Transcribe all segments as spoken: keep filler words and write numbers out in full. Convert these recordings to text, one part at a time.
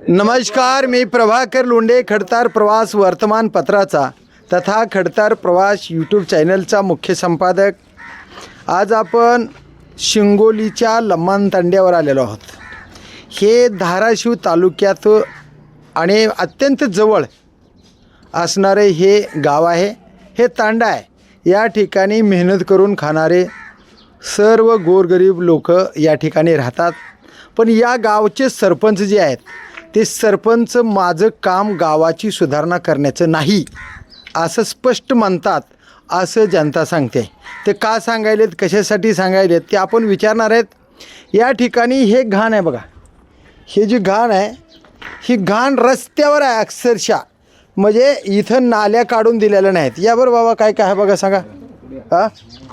नमस्कार, मी प्रभाकर लोंढे, खडतार प्रवास वर्तमानपत्राचा तथा खडतार प्रवास यूट्यूब चॅनलचा मुख्य संपादक. आज आपण शिंगोलीच्या लम्मान तांड्यावर आलेलो आहोत. हे धाराशिव तालुक्यात आणि अत्यंत जवळ असणारे हे गाव आहे. हे तांडा आहे. या ठिकाणी मेहनत करून खाणारे सर्व गोरगरीब लोक या ठिकाणी राहतात. पण या गावचे सरपंच जे आहेत ते सरपंच माझं काम गावाची सुधारणा करण्याचं नाही असं स्पष्ट म्हणतात, असं जनता सांगते. ते का सांगायलेत, कशासाठी सांगायलेत ते आपण विचारणार आहेत. या ठिकाणी हे घाण आहे बघा. हे जी घाण आहे ही घाण रस्त्यावर आहे अक्षरशः. म्हणजे इथं नाल्या काढून दिलेल्या नाहीत. या बरं बाबा काय काय आहे बघा, सांगा. हां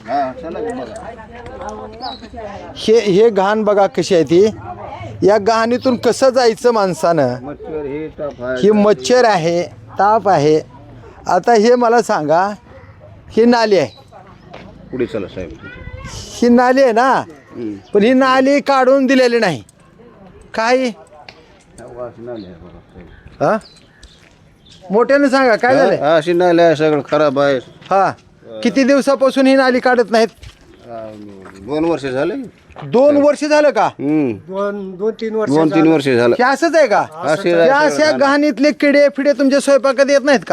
हे हे घाण बघा कशी आहे ती. या घाणीतून कसं जायचं माणसानं. ही मच्छर आहे, ताप आहे. आता हे मला सांगा, ही नाली आहे, पुढे चला साहेब. ही नाली आहे ना, पण ही नाली काढून दिलेली नाही. काय हा मोठ्यानं सांगा काय झालं. अशी नाली आहे, सगळं खराब आहे. हा किती दिवसापासून ही नाली काढत नाहीत? दोन वर्ष झाले. दोन वर्ष झालं का? दोन दोन तीन वर्ष दोन तीन वर्ष झालं. हे असंच आहे का? या अशा घाणीतले किडे फिडे तुमच्या स्वयंपाकात येत नाहीत का?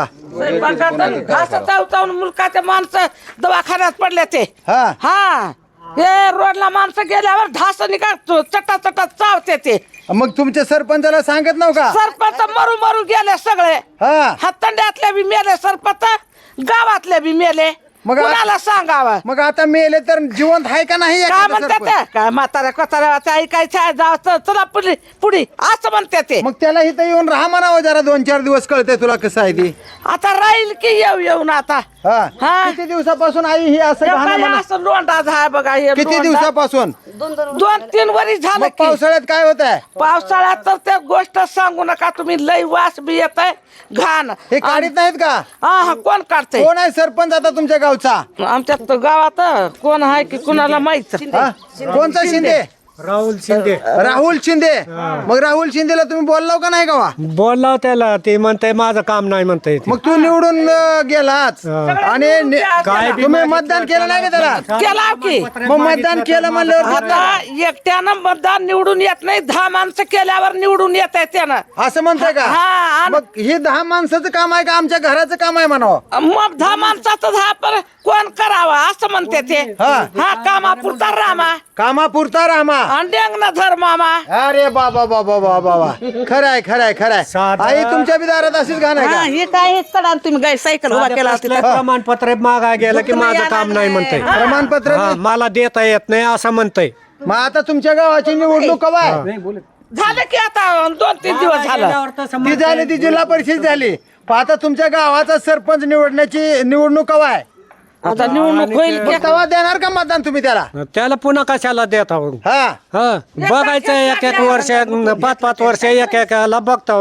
मुलकाचे माणसं दवाखान्यात पडले ते. हा हा हे रोडला माणसं गेल्यावर ढास निघतो, चटा चटा चावते ते. मग तुमच्या सरपंचाला सांगत नव्ह का? सरपंच मरू मरू गेले सगळे. हा हातंड्यातले बी मेले सरपंच, गावातले बी मेले. मग कुणाला सांगावं? मग आता मेले तर जिवंत आहे का नाही? काय एखादं म्हणते सरपंच? ते? काय म्हाताऱ्या कोताऱ्याचं ऐकायचं जायचं, चला पुढे पुढे असं म्हणते ते. मग त्याला इथं येऊन राहा म्हणावं जरा, दोन चार दिवस कळते तुला कसं आहे ती. आता राहील की येऊ येऊन आता. हा हा. किती दिवसापासून आई ही असं हे घाण काय म्हणा- असं लोंढा झाय बघा हे किती लोंढा. दिवसापासून? दोन तीन वरी झालं मग की. पावसाळ्यात काय होत आहे? पावसाळ्यात तर ते गोष्ट सांगू नका तुम्ही. लई वास बी येत आहे, घाण. हे काढीत नाहीत का? हा हा कोण काढते? कोण आहे सरपंच आता तुमच्या गावचा? आमच्या तर गावात कोण आहे की कुणाला माहित. हा? कोणता शिंदे? राहुल शिंदे. राहुल शिंदे. मग राहुल शिंदेला तुम्ही बोललाव का नाही गावा? बोलला त्याला, ते म्हणताय माझं काम नाही म्हणताय. मग तू निवडून अं, गेलाच आणि नि- काय बी तुम्ही मतदान केलं नाही का त्याला? केला की. मग मतदान केलं म्हणल्यावर आता एकट्यानं मतदान निवडून येत नाही, दहा माणसं केल्यावर निवडून येत आहे त्यानं. असं म्हणताय का? हा, आणि- मग हे दहा माणसाचं काम आहे का आमच्या घराचं काम आहे म्हणावं? मग दहा माणसाचं दहा पर कोण करावा असं म्हणते ते. हा. हा कामापुरता रामा कामापुरता रामा. आणि डेंगना धर मामा. अरे बाबा बाबा बाबा बाबा, खरंय खरंय खरंय. साधा- आई तुमच्या बी दारात अशीच घाण आहे हा, का? हे काय हे चढा तुम्ही गाय सायकल उभा केला असती तर. प्रमाणपत्र मागाय गेलं की माझं काम नाही म्हणताय. प्रमाणपत्र हा, मला देता येत नाही असं म्हणताय. मग आता तुमच्या गावाची निवडणूक कवा आहे? झालं की आता दोन तीन दिवस झालं. ती झाली, ती जिल्हा परिषद झाली. पण आता तुमच्या गावाचा सरपंच निवडण्याची निवडणूक कवा आहे? आता निवडणूक होईल की. मग तेव्हा देणार का मतदान तुम्ही त्याला? त्याला पुन्हा कशाला देता हो? हा हा बघायचं एक एक वर्ष, पाच पाच वर्ष एक एकाला बघतो.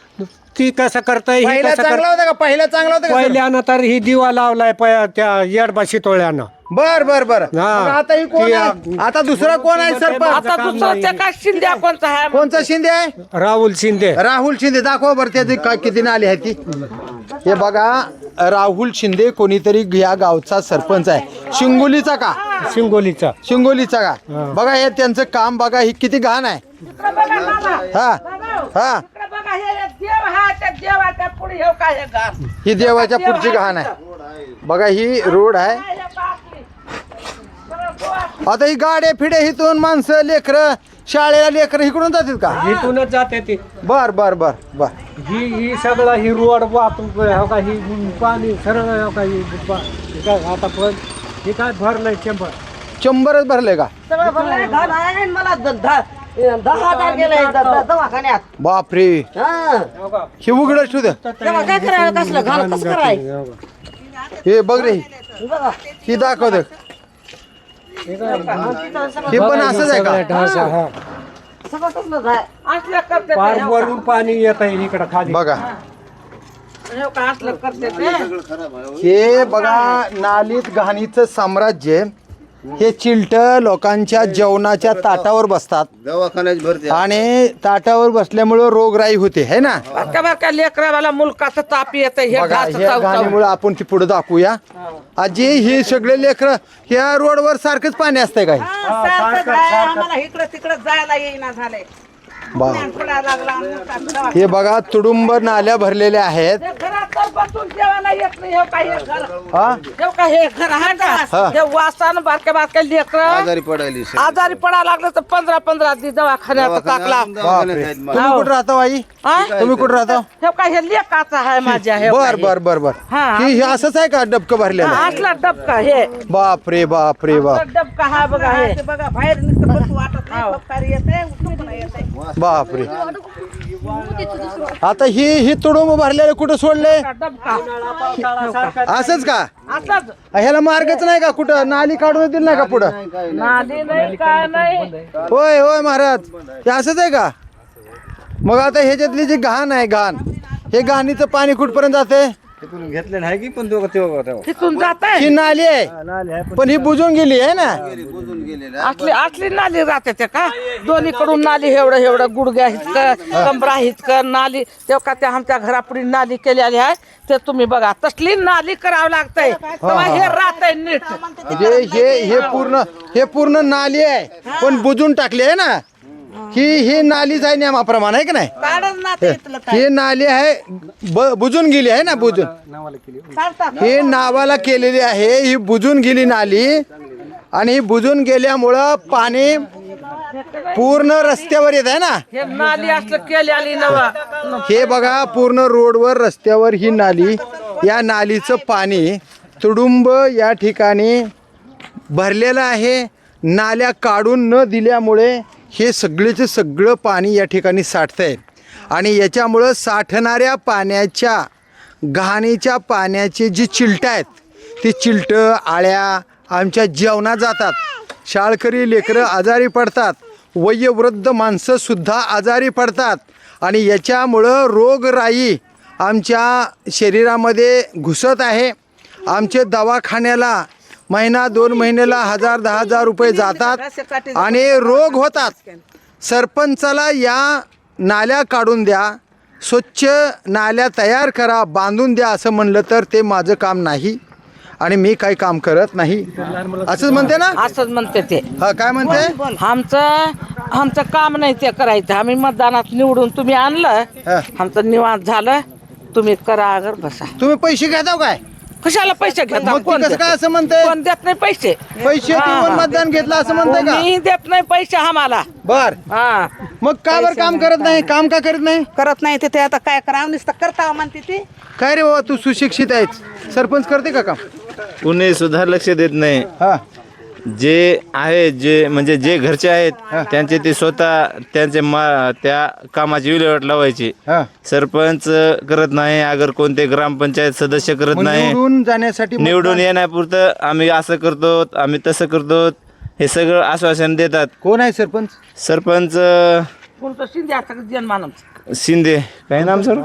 ती कसं करताय, ही पहिला कसं चांगला करत. होता का? पहिला चांगला होता का? पहिल्यानं तर ही दिवा लावलाय प- त्या येडबाशी टोळ्यानं. बर बर बर. हा. मग आता ही कोण आहे? आता दुसरा कोण आहे सरपंच? आता दुसरं ते काय शिंद्या कोणचा आहे? कोणचा शिंदे आहे? राहुल शिंदे. राहुल शिंदे. दाखवा बरं त्याची काय किती नाली आहे ती. हे बघा, राहुल शिंदे कोणीतरी या गावचा सरपंच आहे. शिंगोलीचा का? शिंगोलीचा. शिंगोलीचा का? बघा हे त्यांचं काम बघा, ही किती घाण आहे. हा हा इकडे बघा, हे देव आहे, त्या देवाच्या पुढे हे काय हे घाण. ही देवाच्या पुढची घाण आहे. बघा ही रोड आहे. आता ही गाड्या फिडे इथून माणसं लेकरं शाळेला लेकरं इकडून जातात का? इथूनच जाते ती. बर बर बर बर. ही ही सगळं ही रोड वाहतूक हो का, ही पाणी सरळ हो का, ही बा- हे काय आता पण हे काय भरलंय चंबर. शंभरच भरले का? सगळं भरलंय, घाण आहे आणि मला द- दहा दहा हजार गेले द- द- दवाखान्यात. बापरे. हा. हे उघड ठेवू द्या. तेव्हा काय करायला, कसलं घाण कसं करायचं हे बघ रे, बघा. ही दाखव दे. हे पण असंच आहे का? हा. सगळं कसलं आहे. असलं करते ते, पार हो वरून पाणी येत आहे इकडं खाली. बघा का, हो का, असलं करते ते. हे बघा, नालीत घाणीचं साम्राज्य हे चिलट लोकांच्या जेवणाच्या ताटावर बसतात दवाखान्यात भरते आणि ताटावर बसल्यामुळं रोगराई होते है ना. बारक्या बारक्या लेकरावाला मुलकाचं ताप येतं हे बघा ढास ह्या चाव- चाव. गाणीमुळे आपण ती पुढे दाखवूया. आजी हे सगळे लेकर ह्या रोडवर सारखंच पाणी असतंय काय. हा, सारखं जाय, आम्हाला इकडं तिकडं जायला येईना झालंय बा पडायला लागला आम्हाला दवा- हे बघा तुडुंब नाल्या भरलेल्या आहेत. हे घरात तर बसून जेवायला येत नाही हे काय हे घर हा हे काय हे घर आहे का हा. हे वासान बारक्या बारक्या लेकर आजारी पडायली आजारी पडायला लागलं तर पंधरा पंधरा दिवस दवाखान्यात टाकला बापरे. तुम्ही कुठं राहता आई हा? तुम्ही कुठं राहता. हे काय हे लेकाचं आहे माझ्या हे बर काय बर बर बर हा. ही हे असंच आहे का डबकं भरलेलं. हा, असला डबका हे बाप रे बाप रे बाप डबका हा बघा हे ते बघा बाहेर नुसतं बसू वाटत नाही फटकारी येते उठून येते बाप रे. आता ही ही तुडुंब भरलेलं कुठं सोडलंय डबका असंच का. असंच ह्याला मार्गच नाही का कुठं नाली काढून दिली नाही का पुढं. नाली नाही काय नाही होय होय महाराज हे असंच आहे का. मग आता ह्याच्यातली जी घाण आहे घाण हे घाणीचं पाणी कुठपर्यंत जाते. तिथून घेतलेलं आहे की पण दोघं तेव्हा तेव्हा तिथून जात ही नाली आहे पण ही बुजून गेली आहे ना. बुजून गेलेले असली असली नाली राहते ते का दोन्हीकडून नाली एवढं एवढं गुडघ्या हितकं कमरा हितकं नाली तेव्हा का त्या आमच्या घरापुढे नाली केलेली आहे ते तुम्ही बघा तसली नाली करावं लागतंय तेव्हा हे राहतंय नीट म्हणजे हे हे पूर्ण हे पूर्ण नाली आहे पण बुजून टाकली आहे ना. ही ही नालीच आहे नियमाप्रमाणे आहे की नाही. काढच ना ते इथलं काय ही नाली आहे ब- बुजून गेली आहे ना बुजून. काढतात ही नावाला केलेली आहे ही बुजून गेली नाली आणि ही बुजून गेल्यामुळं पाणी पूर्ण रस्त्यावर येत आहे ना. हे नाली असलं केलेली नवा हे बघा पूर्ण रोडवर रस्त्यावर ही नाली या नालीचं पाणी तुडुंब या ठिकाणी भरलेलं आहे. नाल्या काढून न दिल्यामुळे हे सगळेचं सगळं पाणी या ठिकाणी साठतंय आणि याच्यामुळं साठणाऱ्या पाण्याच्या घाणीच्या पाण्याचे जी चिलटं आहेत ती चिलटं आळ्या आमच्या जेवणात जातात. शाळकरी लेकरं आजारी पडतात. वयोवृद्ध माणसंसुद्धा आजारी पडतात आणि याच्यामुळं रोगराई आमच्या शरीरामध्ये घुसत आहे. आमचे दवाखान्याला महिना दोन महिन्याला हजार दहा हजार रुपये जातात आणि रोग होतात. सरपंचाला या नाल्या काढून द्या स्वच्छ नाल्या तयार करा बांधून द्या असं म्हणलं तर ते माझं काम नाही आणि मी काही काम करत नाही असंच म्हणते ना. असंच म्हणते ते हा काय म्हणते. आमचं आमचं काम नाही ते करायचं आम्ही मतदानात निवडून तुम्ही आणलं हा. आमचं निवांत झालं तुम्ही करा अगर बसा तुम्ही पैसे घेता काय. कशाला पैसे घेता मग ती कोण कसं देत? काय असं म्हणते. कोण देत नाही पैसे पैसे हा, देऊन हा. मतदान घेतलं असं म्हणते का. मी देत नाही पैसे आम्हाला बर हा मग का बरं काम करत नाही काम का करत नाही. करत नाही ते आता काय करावं नुसतं करता म्हणते ती काय रे बाबा तू सुशिक्षित आहेस सरपंच करते का काम. कुणी सुद्धा लक्ष देत नाही. हा जे आहे जे म्हणजे जे घरचे आहेत त्यांचे ते स्वतः त्यांचे मा त्या कामाची विल्हेवाट लावायची. हा सरपंच करत नाही अगर कोणते ग्रामपंचायत सदस्य करत मग नाही. निवडून जाण्यासाठी निवडून मतदान- येण्यापुरतं आम्ही असं करतो आम्ही तसं करतो हे सगळं आश्वासन देतात. कोण आहे सरपंच. सरपंच कोणतं शिंदे आता जनमानस शिंदे काय नाम सर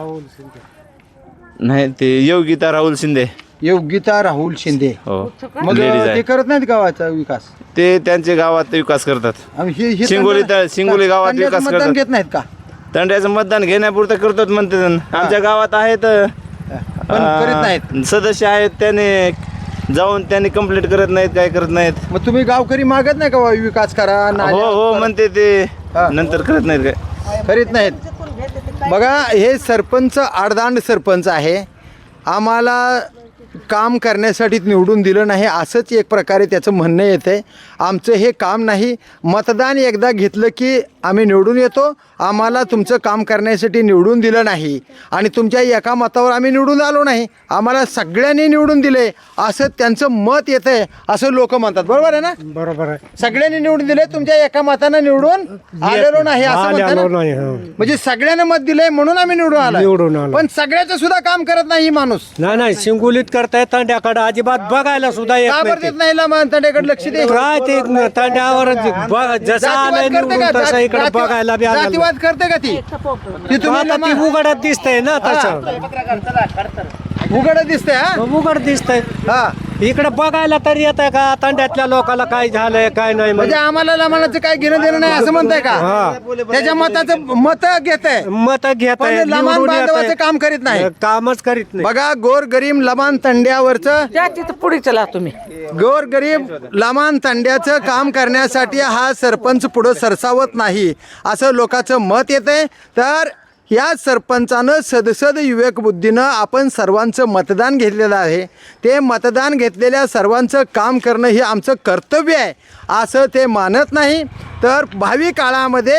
नाही ते योगिता राहुल शिंदे योगिता राहुल शिंदे. हो मग लेडीज ते आहे करत नाहीत गावाचा विकास. ते त्यांचे गावात विकास करतात. आणि हे- हे शिंगोली तंडा- तर- शिंगोली गावात तंड्याचं विकास मतदान करतात. घेत नाहीत का. तंड्याचं मतदान घेण्यापुरतं करतात म्हणते जण. आमच्या गावात आहेत पण करीत नाहीत. अं, सदस्य आहेत त्याने जाऊन त्यांनी कंप्लीट करत नाहीत काय करत नाहीत. मग तुम्ही गावकरी मागत नाही का बा, विकास करा हो नाल्या हो करा? म्हणते ते हा. नंतर करत नाहीत काय. करीत नाहीत. बघा हे सरपंच आडदांड सरपंच आहे. आम्हाला काम करण्यासाठी निवडून दिलं नाही असंच एक प्रकारे त्याचं म्हणणं येतं आहे. आमचं हे काम नाही. मतदान एकदा घेतलं की आम्ही निवडून येतो. आम्हाला तुमचं काम करण्यासाठी निवडून दिलं नाही आणि तुमच्या एका मतावर आम्ही निवडून आलो नाही. आम्हाला सगळ्यांनी निवडून दिले असं त्यांचं मत येतं आहे असं लोक म्हणतात. बरोबर आहे ना. बरोबर आहे. सगळ्यांनी निवडून दिले तुमच्या एका मतानं निवडून आलेलो नाही असं आले- म्हणतात आलो ना? नाही, हो. म्हणजे सगळ्यांना मत दिलंय म्हणून आम्ही निवडून निवडून आलो आलो. पण सगळ्याचं सुद्धा काम करत नाही ही माणूस. नाही नाही शिंगोलीत करताय तांड्याकडे अजिबात बघायला सुद्धा येत का नाही बरं देत नाही ला माणसाकडे लक्ष दे. ते. काय ते तांड्यावर ब- जसं आलंय जातीवाद करते निवडून का तसं इकडे जाती- बघायला बी आलं जातीवाद करते का ती ती तुम्ही आता ती लमा- उघडत दिसतंय ना तसं उघड दिसते हा उघड दिसतंय हा इकडे बघायला तरी येत आहे का तांड्यातल्या लोकांना काय झालंय काय नाही म्हणजे आम्हाला लमानाचं काय घेणं देणं नाही असं म्हणताय का? त्याच्या मताचं मत घेत आहे मत घेत पण लमान बांधवाचं काम करीत नाही. कामच करीत नाही. बघा गोर गरीब लमान तंड्यावरचं त्या तिथं पुढे चला तुम्ही. गोर गरीब लमान तंड्याचं काम करण्यासाठी हा सरपंच पुढं सरसावत नाही असं लोकांचं मत येतंय. तर या सरपंचानं सदसद विवेक बुद्धीनं आपण सर्वांचं मतदान घेतलेलं आहे. ते मतदान घेतलेल्या सर्वांचं काम करणं हे आमचं कर्तव्य आहे असं ते मानत नाही. तर भावी काळामध्ये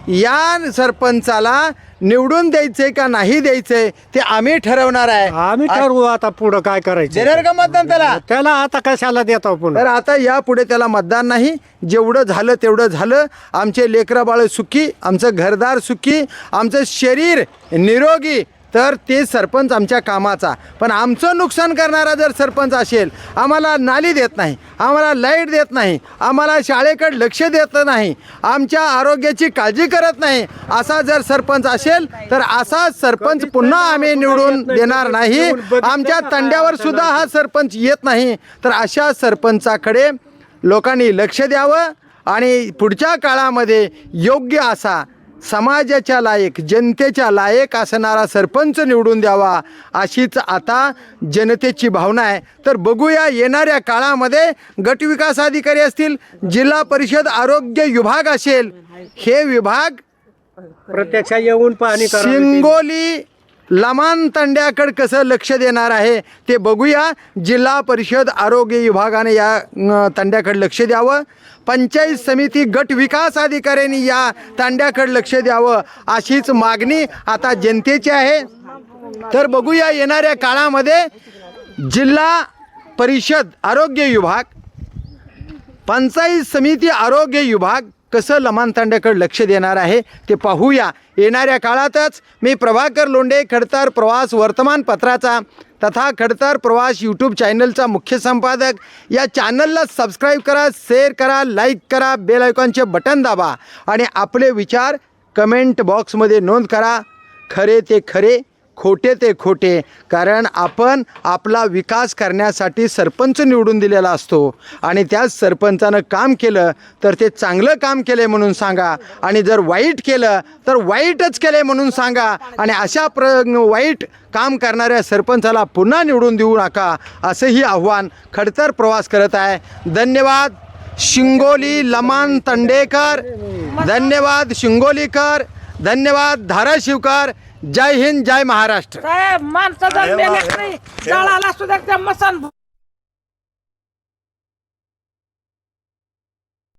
या सरपंचाला निवडून द्यायचंय का नाही द्यायचंय ते आम्ही ठरवणार आहे. आम्ही ठरवू आता पुढं काय करायचं. देणार का मतदान त्याला? त्याला आता कशाला देतो पुन्हा. तर आता यापुढे त्याला मतदान नाही. जेवढं झालं तेवढं झालं. आमचे लेकरं बाळ सुखी, आमचं घरदार सुखी, आमचं शरीर निरोगी, तर ते सरपंच आमच्या कामाचा. पण आमचं नुकसान करणारा जर सरपंच असेल, आम्हाला नाली देत नाही, आम्हाला लाईट देत नाही, आम्हाला शाळेकडे लक्ष देत नाही, आमच्या आरोग्याची काळजी करत नाही, असा जर सरपंच असेल तर असा सरपंच पुन्हा आम्ही निवडून देणार नाही. आमच्या तंड्यावर सुद्धा हा सरपंच येत नाही. तर अशा सरपंचाकडे लोकांनी लक्ष द्यावं आणि पुढच्या काळामध्ये योग्य असा समाजाच्या लायक, जनतेच्या लायक असणारा सरपंच निवडून द्यावा अशीच आता जनतेची भावना आहे. तर बघूया येणाऱ्या काळामध्ये गटविकास अधिकारी असतील, जिल्हा परिषद आरोग्य विभाग असेल, हे विभाग प्रत्यक्ष येऊन पाहणी करा. शिंगोली लमान तंड्याकडे कसं लक्ष देणार आहे ते बघूया. जिल्हा परिषद आरोग्य विभागाने या अं, तंड्याकडे लक्ष द्यावं. पंचायत समिती गट विकास अधिकाऱ्यांनी या तांड्याकडे लक्ष द्यावं अशीच मागणी आता जनतेची आहे. तर बघूया येणाऱ्या काळामध्ये जिल्हा परिषद आरोग्य विभाग, पंचायत समिती आरोग्य विभाग कसं लमान तांड्याकडे लक्ष देणार आहे ते पाहूया येणाऱ्या काळातच. मी प्रभाकर लोंढे, खडतर प्रवास वर्तमानपत्राचा तथा खडतर प्रवास यूट्यूब चॅनलचा मुख्य संपादक. या चॅनलला सबस्क्राईब करा, शेअर करा, लाईक करा, बेल आयकॉनचे बटन दाबा आणि आपले विचार कमेंट बॉक्समध्ये नोंद करा. खरे ते खरे, खोटे ते खोटे, कारण आपण आपला विकास करण्यासाठी सरपंच निवडून दिलेला असतो आणि त्याच सरपंचानं काम केलं तर ते चांगलं काम केलं म्हणून सांगा आणि जर वाईट केलं तर वाईटच केलं म्हणून सांगा. आणि अशा प्र वाईट काम करणाऱ्या सरपंचाला पुन्हा निवडून देऊ नका असंही आव्हान खडतर प्रवास करत आहे. धन्यवाद शिंगोली लमान तंडेकर, धन्यवाद शिंगोलीकर, धन्यवाद धाराशिवकर. जय हिंद, जय महाराष्ट्र. साहेब माणसं जर मेल्या नाही, जाळाला सुद्धा त्या मसान